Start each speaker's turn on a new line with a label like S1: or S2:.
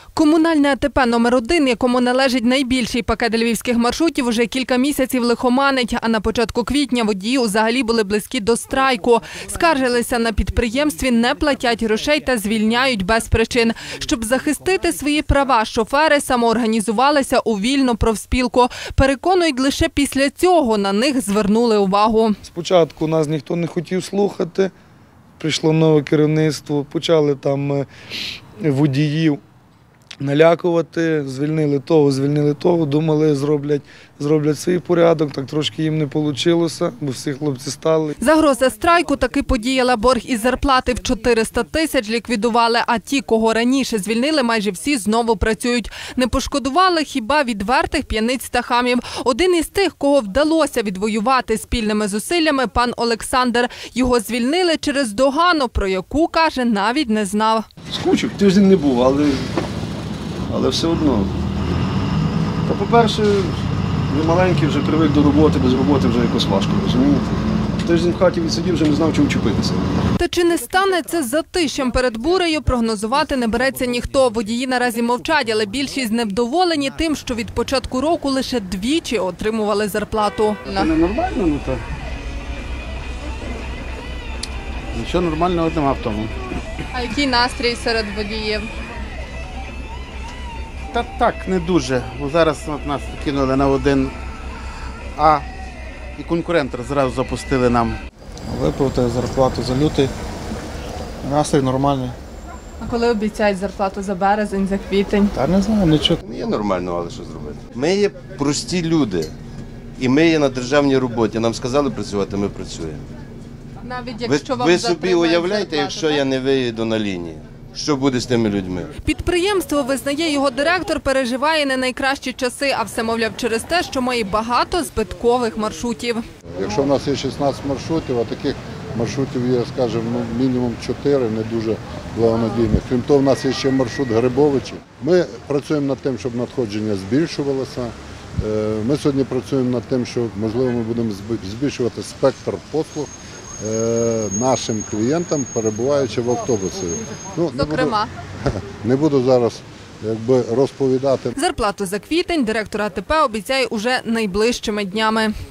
S1: Комунальне АТП номер 1, якому належить найбільший пакет львівських маршрутів, уже кілька місяців лихоманить, а на початку квітня водії взагалі були близькі до страйку. Скаржилися на підприємстві, не платять грошей та звільняють без причин. Щоб захистити свої права, шофери самоорганізувалися у вільну профспілку. Переконують, лише після цього на них звернули увагу.
S2: Спочатку нас ніхто не хотів слухати, прийшло нове керівництво, почали там водіїв налякувати, звільнили того, думали, зроблять свій порядок, так трошки їм не вийшло, бо всі хлопці стали.
S1: Загроза страйку таки подіяла. Борг із зарплати в 400 тисяч ліквідували, а ті, кого раніше звільнили, майже всі знову працюють. Не пошкодували хіба відвертих п'яниць та хамів. Один із тих, кого вдалося відвоювати спільними зусиллями, пан Олександр. Його звільнили через догану, про яку, каже, навіть не знав.
S3: Скучив, тиждень не був, але все одно. Та, по-перше, я маленький, вже привик до роботи, без роботи вже якось важко, розумієте? Тиждень в хаті відсидів, вже не знав, чим вчепитися.
S1: Та чи не стане це затишем перед бурею, прогнозувати не береться ніхто. Водії наразі мовчать, але більшість невдоволені тим, що від початку року лише двічі отримували зарплату.
S4: Це не нормально, ну то. Нічого нормального нема в тому.
S1: А який настрій серед водіїв?
S4: Та так, не дуже. Бо зараз нас кинули на 1А і конкурентор зразу запустили нам.
S5: Виплатили зарплату за лютий. Настрій нормальний.
S1: А коли обіцяють зарплату за березень, за квітень?
S5: Та не знаю, нічого.
S6: Є нормально, але що зробити? Ми є прості люди. І ми є на державній роботі. Нам сказали працювати, ми працюємо.
S1: Навіть якщо вам
S6: Ви собі
S1: затримають
S6: уявляєте,
S1: зарплату,
S6: якщо
S1: так?
S6: я не виїду на лінії? Що буде з тими людьми?
S1: Підприємство, визнає його директор, переживає не найкращі часи, а все, мовляв, через те, що має багато збиткових маршрутів.
S7: Якщо в нас є 16 маршрутів, а таких маршрутів є, скажімо, мінімум 4, не дуже благонадійних. Крім того, в нас є ще маршрут Грибовичі. Ми працюємо над тим, щоб надходження збільшувалося. Ми сьогодні працюємо над тим, що, можливо, ми будемо збільшувати спектр послуг нашим клієнтам, перебуваючи в автобусі.
S1: Зокрема?
S7: Не буду зараз розповідати.
S1: Зарплату за квітень директор АТП обіцяє уже найближчими днями.